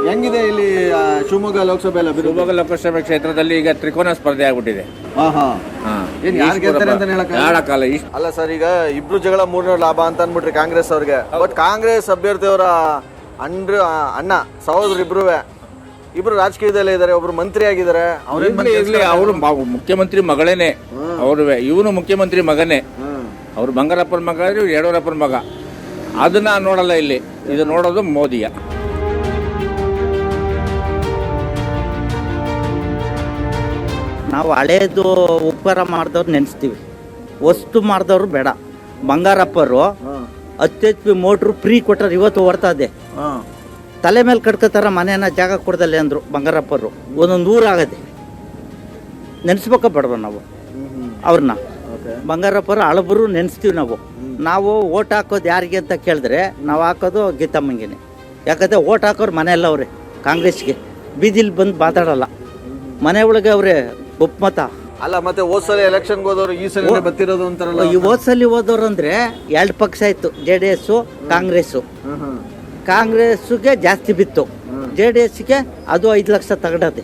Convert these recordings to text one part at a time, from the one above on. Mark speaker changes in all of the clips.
Speaker 1: ಹೆಂಗಿದೆ ಇಲ್ಲಿ ಶಿವಮೊಗ್ಗ ಲೋಕಸಭೆ
Speaker 2: ಶಿವಮೊಗ್ಗ ಲೋಕಸಭೆ ಕ್ಷೇತ್ರದಲ್ಲಿ ಈಗ ತ್ರಿಕೋನ ಸ್ಪರ್ಧೆ ಆಗ್ಬಿಟ್ಟಿದೆ. ಹೇಳಕ್ಕಾಗಲ್ಲ.
Speaker 1: ಅಲ್ಲ ಸರ್, ಈಗ ಇಬ್ರು ಜಗಳ ಮೂರನೇ ಲಾಭ ಅಂತ ಅಂದ್ಬಿಟ್ರಿ ಕಾಂಗ್ರೆಸ್ ಅವ್ರಿಗೆ. ಬಟ್ ಕಾಂಗ್ರೆಸ್ ಅಭ್ಯರ್ಥಿಯವರ ಅಣ್ಣ ಸಹೋದರ ಇಬ್ರು ರಾಜಕೀಯದಲ್ಲೇ ಇದ್ದಾರೆ, ಒಬ್ರು ಮಂತ್ರಿ ಆಗಿದ್ದಾರೆ.
Speaker 2: ಅವರು ಮುಖ್ಯಮಂತ್ರಿ ಮಗಳೇನೆ, ಇವನು ಮುಖ್ಯಮಂತ್ರಿ ಮಗನೇ. ಅವ್ರು ಬಂಗಾರಪ್ಪನ ಮಗ, ಯಡಿಯೂರಪ್ಪನ ಮಗ. ಅದನ್ನ ನೋಡಲ್ಲ ಇಲ್ಲಿ, ಇದು ನೋಡೋದು ಮೋದಿಯ.
Speaker 3: ನಾವು ಹಳೇದು ಉಪಕಾರ ಮಾಡಿದವ್ರು ನೆನೆಸ್ತೀವಿ, ವಸ್ತು ಮಾಡಿದವ್ರು ಬೇಡ. ಬಂಗಾರಪ್ಪರು 10 HP ಮೋಟ್ರು ಫ್ರೀ ಕೊಟ್ಟರು, ಇವತ್ತು ಓಡ್ತಾ ಇದೆ. ತಲೆ ಮೇಲೆ ಕಟ್ಕೋತಾರ, ಮನೇನ ಜಾಗ ಕೊಡ್ದಲ್ಲೇ ಅಂದರು ಬಂಗಾರಪ್ಪರು. ಒಂದೊಂದು ಊರಾಗದೆ ನೆನೆಸ್ಬೇಕ ಬೇಡವ ನಾವು ಅವ್ರನ್ನ. ಬಂಗಾರಪ್ಪರು ಹಳಬರು ನೆನೆಸ್ತೀವಿ ನಾವು ಓಟ್ ಹಾಕೋದು ಯಾರಿಗೆ ಅಂತ ಕೇಳಿದ್ರೆ ನಾವು ಹಾಕೋದು ಗೀತಮ್ಮಂಗೆನೆ. ಯಾಕಂದರೆ ಓಟ್ ಹಾಕೋರು ಮನೆಯಲ್ಲ ಅವ್ರೆ ಕಾಂಗ್ರೆಸ್ಗೆ. ಬೀದಿಲಿ ಬಂದು ಮಾತಾಡಲ್ಲ, ಮನೆ ಒಳಗೆ ಅವ್ರೆ ಒಪ್ಪಮತ.
Speaker 1: ಅಲ್ಲ, ಮತ್ತೆ ಹೋದ್ಸಲ ಎಲೆಕ್ಷನ್ಗೆ ಹೋದವರು ಈ ಸಲ ಬರ್ತಿರೋದು ಅಂತಾರಲ್ಲ.
Speaker 3: ಈ ಹೋದ್ಸಲಿ ಹೋದವ್ರು ಅಂದರೆ 2 ಪಕ್ಷ ಇತ್ತು, JDS ಕಾಂಗ್ರೆಸ್ಸು. ಕಾಂಗ್ರೆಸ್ಗೆ ಜಾಸ್ತಿ ಬಿತ್ತು, JDSಗೆ ಅದು 5 ಲಕ್ಷ ತಗೊಂಡದೆ.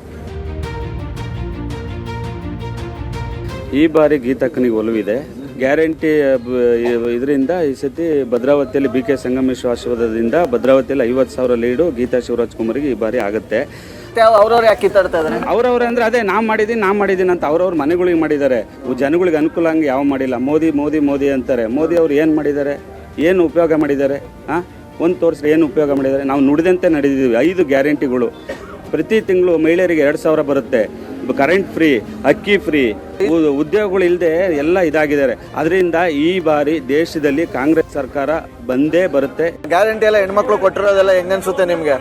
Speaker 4: ಈ ಬಾರಿ ಗೀತಕ್ಕನಿಗೆ ಒಲವಿದೆ. ಗ್ಯಾರಂಟಿ ಇದರಿಂದ ಈ ಸತಿ ಭದ್ರಾವತಿಯಲ್ಲಿ BK ಸಂಗಮೇಶ್ವರ ಆಶೀರ್ವಾದದಿಂದ ಭದ್ರಾವತಿಯಲ್ಲಿ 50,000 ಲೀಡು ಗೀತಾ ಶಿವರಾಜ್ ಕುಮಾರ್ಗೆ ಈ ಬಾರಿ ಆಗುತ್ತೆ.
Speaker 1: ಅವ್ರವ್ರು ಯಾಕೆ ಕಿತ್ತಾಡ್ತಾ ಇದ್ದಾರೆ?
Speaker 4: ಅವ್ರವ್ರೆ ಅಂದ್ರೆ ಅದೇ ನಾ ಮಾಡಿದ್ದೀನಿ ಅಂತ ಅವ್ರವ್ರ ಮನೆಗಳಿಗೆ ಮಾಡಿದ್ದಾರೆ. ಜನಗಳಿಗೆ ಅನುಕೂಲ ಹಂಗೆ ಯಾವ ಮಾಡಿಲ್ಲ. ಮೋದಿ ಅಂತಾರೆ. ಮೋದಿ ಅವ್ರು ಏನು ಮಾಡಿದ್ದಾರೆ, ಏನು ಉಪಯೋಗ ಮಾಡಿದ್ದಾರೆ? ಒಂದು ತೋರಿಸ್ರೆ ಏನು ಉಪಯೋಗ ಮಾಡಿದ್ದಾರೆ? ನಾವು ನುಡಿದಂತೆ ನಡೆದಿದ್ದೀವಿ. 5 ಗ್ಯಾರಂಟಿಗಳು. ಪ್ರತಿ ತಿಂಗಳು ಮಹಿಳೆಯರಿಗೆ 2,000 ಬರುತ್ತೆ, ಕರೆಂಟ್ ಫ್ರೀ, ಅಕ್ಕಿ ಫ್ರೀ, ಉದ್ಯೋಗಗಳು ಇಲ್ಲದೆ ಎಲ್ಲ ಇದಾಗಿದ್ದಾರೆ. ಅದರಿಂದ ಈ ಬಾರಿ ದೇಶದಲ್ಲಿ ಕಾಂಗ್ರೆಸ್ ಸರ್ಕಾರ ಬಂದೇ ಬರುತ್ತೆ.
Speaker 1: ಗ್ಯಾರಂಟಿ ಎಲ್ಲ ಹೆಣ್ಮಕ್ಳು ಕೊಟ್ಟಿರೋದೆಲ್ಲ ಹೆಂಗನ್ಸುತ್ತೆ ನಿಮ್ಗೆ?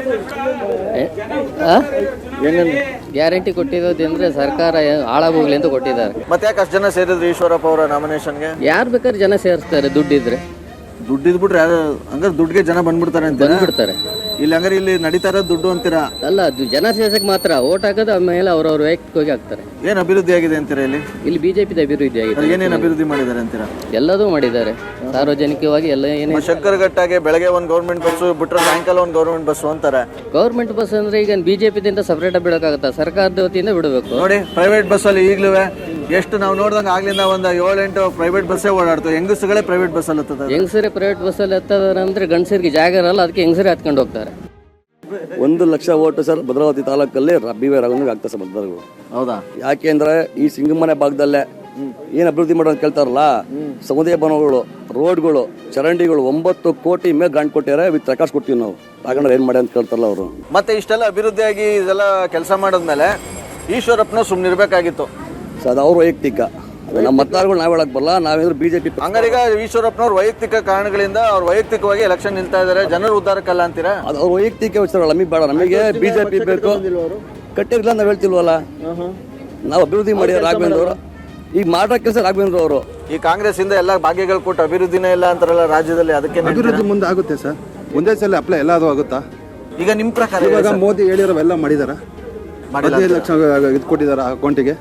Speaker 5: ಗ್ಯಾರಂಟಿ ಕೊಟ್ಟಿರೋದಂದ್ರೆ ಸರ್ಕಾರ ಹಾಳಾಗೋಗ್ಲಿ ಅಂತ ಕೊಟ್ಟಿದ್ದಾರೆ.
Speaker 1: ಮತ್ತೆ ಯಾಕೆ ಅಷ್ಟು ಜನ ಸೇರಿದ್ರು ಈಶ್ವರಪ್ಪ ಅವರ ನಾಮಿನೇಷನ್ಗೆ?
Speaker 5: ಯಾರು ಬೇಕಾದ್ರೆ ಜನ ಸೇರಿಸ್ತಾರೆ, ದುಡ್ಡಿದ್ರೆ.
Speaker 1: ದುಡ್ಡಿದ್ಬಿಟ್ರೆ ಹಂಗಾರೆ ದುಡ್ಡಿಗೆ ಜನ ಬಂದ್ಬಿಡ್ತಾರೆ ಅಂತ
Speaker 5: ಬಂದ್ಬಿಡ್ತಾರೆ.
Speaker 1: ಇಲ್ಲಿ ಹಂಗಾರೆ ಇಲ್ಲಿ ನಡೀತಾ ಇರೋದು ದುಡ್ಡು ಅಂತೀರಾ?
Speaker 5: ಅಲ್ಲ, ಅದು ಜನ ಸೇರ್ಸಕ್ಕೆ ಮಾತ್ರ. ಓಟ್ ಹಾಕೋದು ಆಮೇಲೆ ಅವ್ರವ್ರ ವೈಯಕ್ತಿಕವಾಗಿ ಹಾಕ್ತಾರೆ.
Speaker 1: ಏನ್ ಅಭಿವೃದ್ಧಿ ಆಗಿದೆ ಅಂತೀರಾ ಇಲ್ಲಿ?
Speaker 5: ಬಿಜೆಪಿ ಅಭಿವೃದ್ಧಿ ಆಗಿದೆ.
Speaker 1: ಏನೇನು ಅಭಿವೃದ್ಧಿ ಮಾಡಿದ್ದಾರೆ ಅಂತೀರಾ?
Speaker 5: ಎಲ್ಲದೂ ಮಾಡಿದ್ದಾರೆ ಸಾರ್ವಜನಿಕವಾಗಿ. ಎಲ್ಲ ಏನೇ
Speaker 1: ಶಂಕರಘಟ್ಟಾಗೆ ಬೆಳಗ್ಗೆ ಒಂದು ಗೌರ್ಮೆಂಟ್ ಬಸ್ಸು ಬಿಟ್ಟರೆ ಸಾಯಂಕಾಲ ಒಂದು ಗೌರ್ಮೆಂಟ್ ಬಸ್ಸು ಅಂತಾರೆ.
Speaker 5: ಗೌರ್ಮೆಂಟ್ ಬಸ್ ಅಂದ್ರೆ ಈಗ ಬಿಜೆಪಿದಿಂದ ಸಪರೇಟ್ ಆಗಿ ಬಿಡೋಕ್ಕಾಗತ್ತಾ? ಸರ್ಕಾರದ ವತಿಯಿಂದ ಬಿಡಬೇಕು.
Speaker 1: ನೋಡಿ, ಪ್ರೈವೇಟ್ ಬಸ್ಸಲ್ಲಿ ಈಗಲೂ ಎಷ್ಟು ನಾವು ನೋಡ್ದಂಗೆ ಆಗ್ಲಿಂದ ಒಂದು 7-8 ಪ್ರೈವೇಟ್ ಬಸ್ಸೇ ಓಡಾಡ್ತು. ಹೆಂಗಸುಗಳೇ ಪ್ರೈವೇಟ್ ಬಸ್ಸಲ್ಲಿ ಹತ್ತದ.
Speaker 5: ಹೆಂಗಸರೇ ಪ್ರೈವೇಟ್ ಬಸ್ಸಲ್ಲಿ ಹತ್ತದಾರೆ ಅಂದ್ರೆ ಗಂಡಸರಿಗೆ ಜಾಗ ಇರಲ್ಲ, ಅದಕ್ಕೆ ಹೆಂಗಸರೇ ಹತ್ಕೊಂಡು ಹೋಗ್ತಾರೆ.
Speaker 6: 1 ಲಕ್ಷ ಓಟು ಸರ್ ಭದ್ರಾವತಿ ತಾಲೂಕಲ್ಲಿ BY ರಾಘವನಿಗೆ ಆಗ್ತದೆ ಸರ್ ಮತದಾರರು.
Speaker 1: ಹೌದಾ?
Speaker 6: ಯಾಕೆ ಅಂದ್ರೆ ಈ ಸಿಂಗಮನೆ ಭಾಗದಲ್ಲೇ ಏನು ಅಭಿವೃದ್ಧಿ ಮಾಡೋದು ಕೇಳ್ತಾರಲ್ಲ, ಸಮುದಾಯ ಭವನಗಳು, ರೋಡ್ಗಳು, ಚರಂಡಿಗಳು 9 ಕೋಟಿ ಮೇಲೆ ಗ್ರಾಂಟ್ ಕೊಟ್ಟಿದ್ದಾರೆ. ವಿತ್ ರೆಕಾರ್ಡ್ಸ್ ಕೊಡ್ತೀವಿ ನಾವು. ತಗೊಂಡ್ರೆ ಏನು ಮಾಡಿ ಅಂತ ಕೇಳ್ತಾರಲ್ಲ ಅವರು. ಮತ್ತೆ
Speaker 1: ಇಷ್ಟೆಲ್ಲ ಅಭಿವೃದ್ಧಿಯಾಗಿ ಇದೆಲ್ಲ ಕೆಲಸ ಮಾಡಿದ್ಮೇಲೆ ಈಶ್ವರಪ್ಪನ ಸುಮ್ಮನಿರ್ಬೇಕಾಗಿತ್ತು
Speaker 6: ಸೊ ಅದು ಅವ್ರ ವೈಯಕ್ತಿಕ. ನಮ್ಮ ಮತದಾರಗಳು ನಾವು ಹೇಳಕ್ ಬರಲ್ಲ. ನಾವೇಂದ್ರೆ BJP.
Speaker 1: ಹಂಗಾರೀಗ ಈಶ್ವರಪ್ಪನವ್ರ ವೈಯಕ್ತಿಕ ಕಾರಣಗಳಿಂದ ಅವ್ರು ವೈಯಕ್ತಿಕವಾಗಿ ಎಲೆಕ್ಷನ್ ನಿಲ್ತಾ ಇದ್ದಾರೆ, ಜನರು ಉದ್ಧಾರಕ್ಕಲ್ಲ ಅಂತೀರಾ?
Speaker 6: ಅದು ಅವ್ರ ವೈಯಕ್ತಿಕ ವಿಚಾರಗಳು ನಮಗೆ ಬೇಡ. ನಮಗೆ BJP ಬೇಕು. ಕಟ್ಟಿರ್ಲಿಲ್ಲ ನಾವು ಹೇಳ್ತಿಲ್ವಲ್ಲ. ನಾವು ಅಭಿವೃದ್ಧಿ ಮಾಡಿ ರಾಘವೇಂದ್ರ ಅವರು ಈಗ ಮಾಡೋ ಕೆಲಸ ರಾಘವೇಂದ್ರ ಅವರು.
Speaker 1: ಈ ಕಾಂಗ್ರೆಸ್ ಇಂದ ಎಲ್ಲ ಭಾಗ್ಯಗಳು ಕೊಟ್ಟು ಅಭಿವೃದ್ಧಿನೇ ಇಲ್ಲ ಅಂತಾರಲ್ಲ ರಾಜ್ಯದಲ್ಲಿ. ಅದಕ್ಕೆ
Speaker 7: ಅಭಿವೃದ್ಧಿ ಮುಂದೆ ಆಗುತ್ತೆ ಸರ್, ಒಂದೇ ಸಲ ಅಪ್ಲೈ ಎಲ್ಲ ಅದು ಆಗುತ್ತಾ?
Speaker 1: ಈಗ ನಿಮ್ಮ ಪ್ರಕಾರ
Speaker 7: ಇವಾಗ ಮೋದಿ ಹೇಳಿರೋವೆಲ್ಲ ಮಾಡಿದಾರ? 15 ಲಕ್ಷ ಇದು ಕೊಟ್ಟಿದಾರ ಅಕೌಂಟಿಗೆ,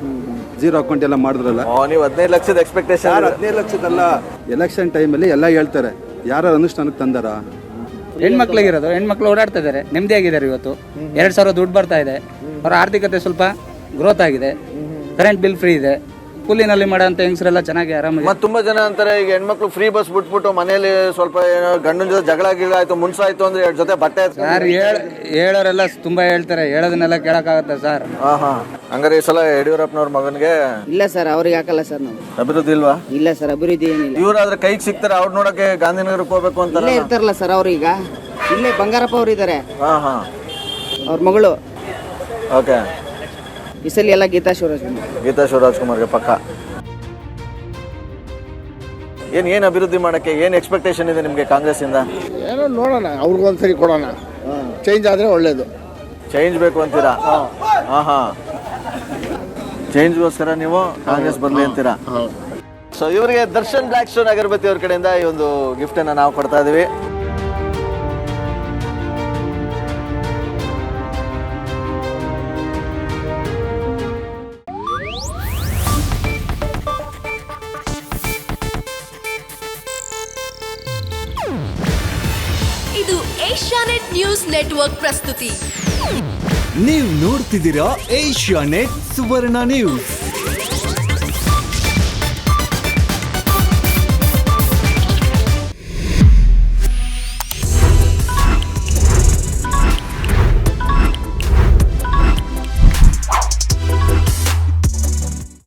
Speaker 7: 0 ಅಕೌಂಟ್ ಎಲ್ಲ ಮಾಡಿದ್ರಲ್ಲ.
Speaker 1: ನೀವು 15 ಲಕ್ಷದ ಎಕ್ಸ್ಪೆಕ್ಟೇಷನ್?
Speaker 7: 15 ಲಕ್ಷದಲ್ಲ. ಎಲೆಕ್ಷನ್ ಟೈಮಲ್ಲಿ ಎಲ್ಲ ಹೇಳ್ತಾರೆ, ಯಾರು ಅನುಷ್ಠಾನಕ್ಕೆ ತಂದಾರ?
Speaker 8: ಹೆಣ್ಮಕ್ಳಿಗಿರೋದು, ಹೆಣ್ಮಕ್ಳು ಓಡಾಡ್ತಾ ಇದ್ದಾರೆ, ನೆಮ್ಮದಿಯಾಗಿದ್ದಾರೆ. ಇವತ್ತು 2,000 ದುಡ್ಡು ಬರ್ತಾ ಇದೆ. ಅವರ ಆರ್ಥಿಕತೆ ಸ್ವಲ್ಪ ಗ್ರೋತ್ ಆಗಿದೆ. ಕರೆಂಟ್ ಬಿಲ್ ಫ್ರೀ ಇದೆ. ಕೂಲಿನಲ್ಲಿ ಮಾಡೋಂಥ ಹೆಂಗಸರೆಲ್ಲ ಚೆನ್ನಾಗಿ ಆರಾಮಾಗಿ.
Speaker 1: ಮತ್ತೆ ತುಂಬಾ ಜನ ಅಂತಾರೆ ಈಗ ಹೆಣ್ಮಕ್ಳು ಫ್ರೀ ಬಸ್ ಬಿಟ್ಬಿಟ್ಟು ಮನೇಲಿ ಸ್ವಲ್ಪ ಏನೋ ಗಂಡನ ಜೊತೆ ಜಗಳ ಗಿಳ ಆಯ್ತು, ಮುನ್ಸಾಯ್ತು ಅಂದ್ರೆ 2 ಜೊತೆ ಬಟ್ಟೆ
Speaker 8: ಸರ್ ಹೇಳೋರೆಲ್ಲ ತುಂಬಾ ಹೇಳ್ತಾರೆ, ಹೇಳೋದನ್ನೆಲ್ಲ ಕೇಳಕ್ಕಾಗತ್ತೆ ಸರ್?
Speaker 1: ಹಂಗಾರೆ ಈ ಸಲ ಯಡಿಯೂರಪ್ಪನವ್ರ ಮಗನ್ಗೆ
Speaker 5: ಇಲ್ಲ ಸರ್, ಅವ್ರಿಗೆ ಹಾಕಲ್ಲ ಸರ್ ನಾವು.
Speaker 1: ಅಭಿವೃದ್ಧಿ ಇಲ್ವಾ?
Speaker 5: ಇಲ್ಲ ಸರ್, ಅಭಿವೃದ್ಧಿ ಏನಿಲ್ಲ.
Speaker 1: ಇವ್ರಾದ್ರೆ ಕೈಗೆ ಸಿಗ್ತಾರೆ, ಅವ್ರು ನೋಡಕ್ಕೆ ಗಾಂಧಿನಗರಕ್ಕೆ ಹೋಗ್ಬೇಕು ಅಂತ
Speaker 5: ಇರ್ತಾರಲ್ಲ ಸರ್. ಅವ್ರು ಈಗ ಇಲ್ಲೇ ಬಂಗಾರಪ್ಪ ಅವ್ರು ಇದ್ದಾರೆ, ಅವ್ರ ಮಗಳು.
Speaker 1: ಓಕೆ.
Speaker 5: ಈ ಸಲ ಎಲ್ಲ ಗೀತಾ ಶಿವರಾಜ್ ಕುಮಾರ್ಗೆ ಪಕ್ಕ. ಏನ್ ಅಭಿವೃದ್ಧಿ ಮಾಡಕ್ಕೆ ಏನ್ ಎಕ್ಸ್ಪೆಕ್ಟೇಷನ್ ಇದೆ ನಿಮ್ಗೆ ಕಾಂಗ್ರೆಸ್ ಇಂದ?
Speaker 9: ಏನೋ ನೋಡೋಣ, ಅವ್ರಿಗೊಂದ್ಸರಿ ಕೊಡೋಣ. ಚೇಂಜ್ ಆದ್ರೆ ಒಳ್ಳೇದು.
Speaker 1: ಚೇಂಜ್ ಬೇಕು ಅಂತೀರಾ? ಚೇಂಜ್ಗೋಸ್ಕರ ನೀವು ಕಾಂಗ್ರೆಸ್ ಬರ್ಲಿ ಅಂತೀರಾ? ಸೊ ಇವರಿಗೆ ದರ್ಶನ್ ಬ್ಲ್ಯಾಕ್ ಸ್ಟೋನ್ ಅಗರಬತ್ತಿ ಅವ್ರ ಕಡೆಯಿಂದ ಈ ಒಂದು ಗಿಫ್ಟ್ ಅನ್ನ ನಾವು ಕೊಡ್ತಾ ಇದೀವಿ.
Speaker 10: ಇದು ಏಷ್ಯಾನೆಟ್ ನ್ಯೂಸ್ ನೆಟ್ವರ್ಕ್ ಪ್ರಸ್ತುತಿ.
Speaker 11: ನೀವು ನೋಡ್ತಿದ್ದೀರಾ ಏಷ್ಯಾ ನೆಟ್ ಸುವರ್ಣ ನ್ಯೂಸ್.